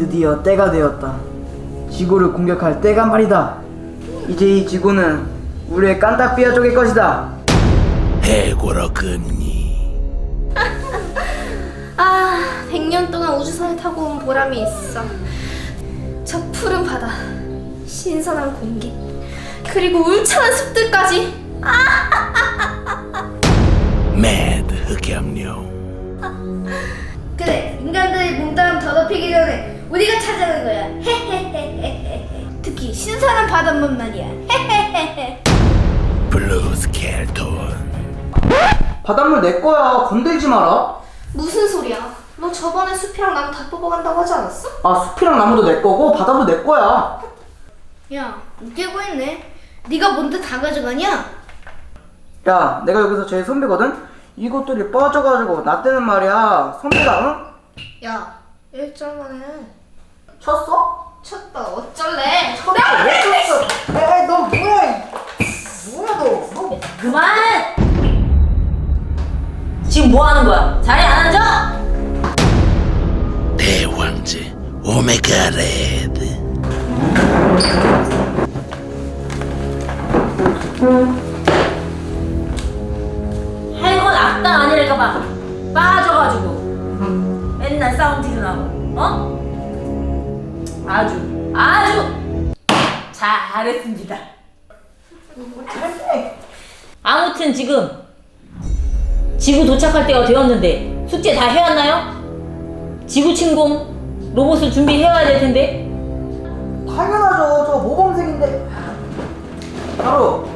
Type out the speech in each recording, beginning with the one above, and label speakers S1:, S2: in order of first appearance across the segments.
S1: 드디어 때가 되었다. 지구를 공격할 때가 말이다. 이제 이 지구는 우리의 깐딱비아족의 것이다.
S2: 해고로 금리.
S3: 100년 동안 우주선을 타고 온 보람이 있어. 저 푸른 바다, 신선한 공기, 그리고 울창한 숲들까지.
S2: 매드 흑염룡.
S3: 그래, 인간들이 몸담 더럽히기 전에 우리가 찾아낸 거야. 특히 신선한 바닷물 말이야.
S2: 블루 스켈톤.
S1: 바닷물 내 거야. 건들지 마라.
S3: 무슨 소리야? 너 저번에 숲이랑 나무 다 뽑아간다고 하지 않았어?
S1: 아, 숲이랑 나무도 내 거고 바다도 내 거야.
S3: 야, 웃기고 있네. 네가 뭔데 다 가져가냐?
S1: 야, 내가 여기서 제일 선배거든? 이것들이 빠져가지고 나 때는 말이야. 선배가, 응?
S3: 야, 1절만 해.
S1: 쳤어?
S3: 쳤다, 어쩔래?
S1: 왜 쳤어? 에이, 너 뭐야? 뭐야, 너?
S4: 그만! 지금 뭐 하는 거야? 자리 안 앉아?
S2: 대왕제 오메가 레드.
S4: 할 건 악당 아니랄까봐 빠져가지고 맨날 싸움 티나고 어? 아주 잘했습니다. 아무튼 지금 지구 도착할 때가 되었는데 숙제 다 해왔나요? 지구 침공 로봇을 준비해와야 될 텐데.
S1: 당연하죠. 저 모범생인데. 바로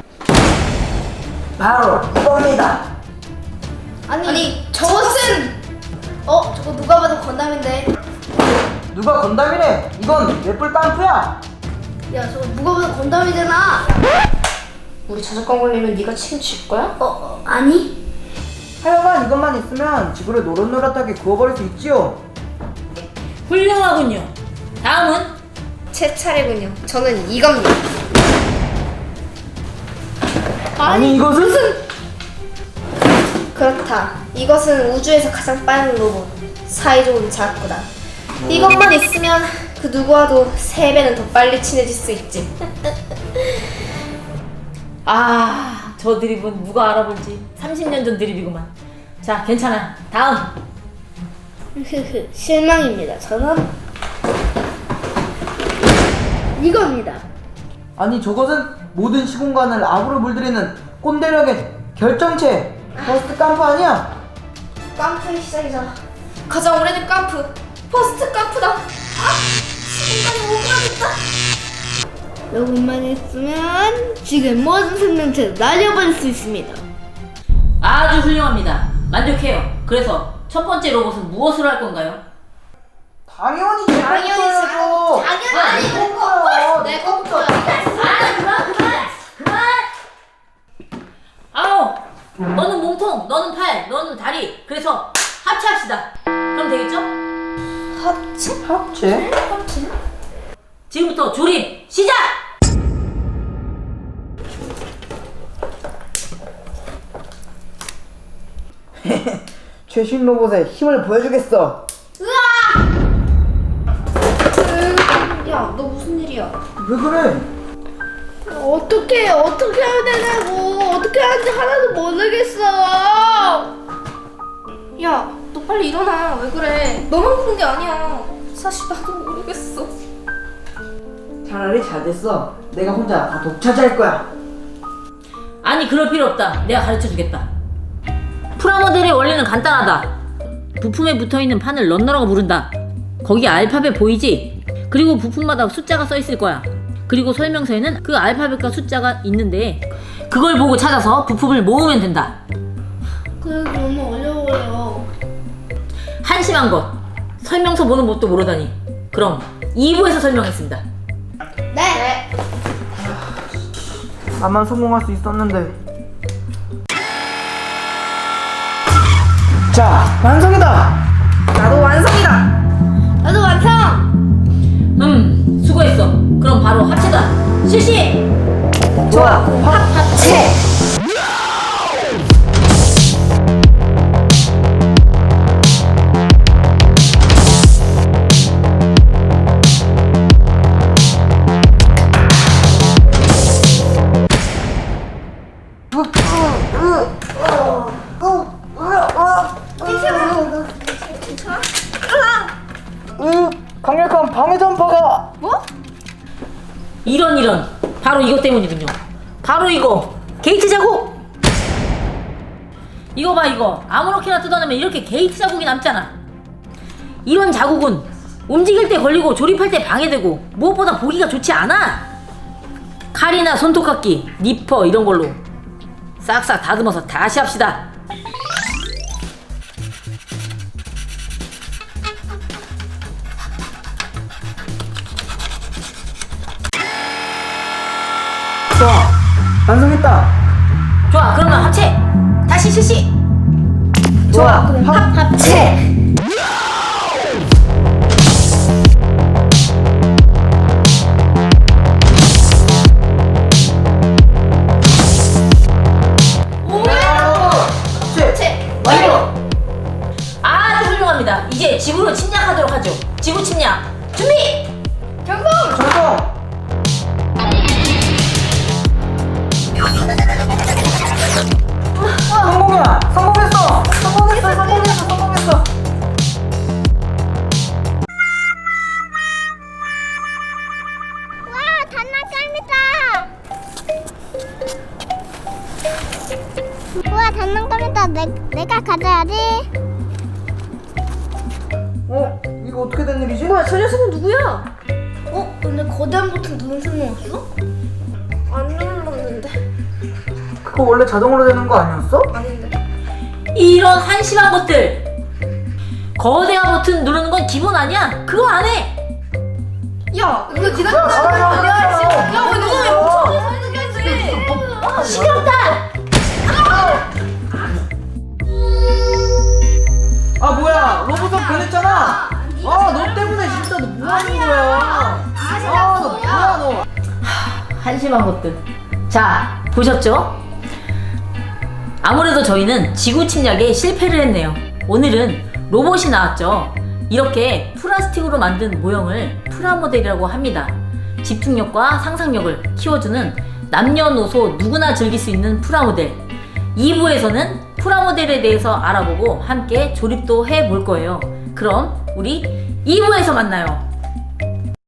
S1: 이겁니다.
S3: 아니 저것은 저거 누가 봐도 건담인데.
S1: 누가 건담이래? 이건 넷불 깡프야.
S3: 야, 저거 누가 봐도 건담이잖아. 우리 저작권 걸리면 네가 책임질 거야? 아니.
S1: 하여간 이것만 있으면 지구를 노릇노릇하게 구워버릴 수 있지요.
S4: 훌륭하군요. 다음은
S3: 제 차례군요. 저는 이겁니다.
S1: 아니 이것은?
S3: 그렇다. 이것은 우주에서 가장 빠른 로봇. 사이좋은 자꾸다. 이것만 있으면 그 누구와도 3배는 더 빨리 친해질 수 있지.
S4: 저 드립은 누가 알아볼지 30년 전 드립이구만. 자, 괜찮아. 다음.
S3: 실망입니다. 저는 이겁니다.
S1: 아니 저것은 모든 시공간을 악으로 물들이는 꼰대력의 결정체. 버스트 깡프 아니야?
S3: 깜프의 시작이잖아. 가장 오래된 깜프. 퍼스트 깜프다. 시간이 오그라졌다. 요것만 있으면 지금 모든 생명체를 날려버릴 수 있습니다.
S4: 아주 훌륭합니다. 만족해요. 그래서 첫 번째 로봇은 무엇으로 할 건가요?
S1: 당연히 거야죠.
S3: 당연히 내 거야. 내 거야.
S4: 그만! 아우! 너는 몸통, 너는 팔, 너는 다리. 그래서 합체합시다. 그럼 되겠죠?
S3: 합체?
S1: 합체?
S3: 합체?
S4: 지금부터 조립 시작!
S1: 최신 로봇의 힘을 보여주겠어.
S3: 야, 너 무슨 일이야?
S1: 왜 그래?
S3: 어떻게 해야 되냐고. 어떻게 하는지 하나도 모르겠어. 야, 너 빨리 일어나. 왜 그래? 너만 그런 게 아니야. 사실 나도 모르겠어.
S1: 차라리 잘 됐어. 내가 혼자 다 독차지할 거야.
S4: 아니, 그럴 필요 없다. 내가 가르쳐주겠다. 프라모델의 원리는 간단하다. 부품에 붙어있는 판을 런너라고 부른다. 거기 알파벳 보이지? 그리고 부품마다 숫자가 써있을 거야. 그리고 설명서에는 그 알파벳과 숫자가 있는데 그걸 보고 찾아서 부품을 모으면 된다.
S3: 그래도 너무 어려워요.
S4: 한심한 것. 설명서 보는 법도 모르다니. 그럼 2부에서 설명했습니다.
S3: 네.
S1: 나만 성공할 수 있었는데. 자, 완성이다. 나도 완성이다.
S3: 나도 완성.
S4: 수고했어. 그럼 바로 합체다. 실시!
S1: 좋아.
S3: 합체.
S1: 방해 전파가.
S3: 뭐?
S4: 이런 바로 이것 때문이군요. 바로 이거 게이트 자국. 이거 봐, 이거 아무렇게나 뜯어내면 이렇게 게이트 자국이 남잖아. 이런 자국은 움직일 때 걸리고 조립할 때 방해되고 무엇보다 보기가 좋지 않아. 칼이나 손톱깎이, 니퍼 이런 걸로 싹싹 다듬어서 다시 합시다.
S1: 좋아, 완성했다.
S4: 좋아, 그러면 합체 다시 실시.
S1: 좋아,
S3: 합체.
S1: 합체.
S4: 완료. 아주 훌륭합니다. 이제 지구로 침략하도록 하죠. 지구 침략 준비.
S3: 경고.
S1: 성공. 성공이야. 성공했어. 성공했어.
S5: 와, 장난감이다. 우와, 장난감이다. 내가 가져야지.
S1: 이거 어떻게 된 일이지?
S3: 뭐야, 저 녀석은 누구야? 근데 거대한 버튼 누르신 거 왔어? 안 눌렀는데.
S1: 그거 원래 자동으로 되는 거 아니었어?
S3: 아닌데.
S4: 이런 한심한 것들. 거대한 버튼 누르는 건 기본 아니야? 그거 안 해.
S3: 야, 이거 기다려. 내가 할수 있어. 야, 왜 너가 왜 멈춰서 설득해야지?
S4: 시끄럽다.
S1: 아 뭐야, 로봇은 변했잖아. 너 때문에 진짜 너 뭐 하는 거야? 너 뭐야 너?
S4: 한심한 것들. 자, 보셨죠? 아무래도 저희는 지구 침략에 실패를 했네요. 오늘은 로봇이 나왔죠. 이렇게 플라스틱으로 만든 모형을 프라모델이라고 합니다. 집중력과 상상력을 키워주는 남녀노소 누구나 즐길 수 있는 프라모델. 2부에서는 프라모델에 대해서 알아보고 함께 조립도 해볼 거예요. 그럼 우리 2부에서 만나요.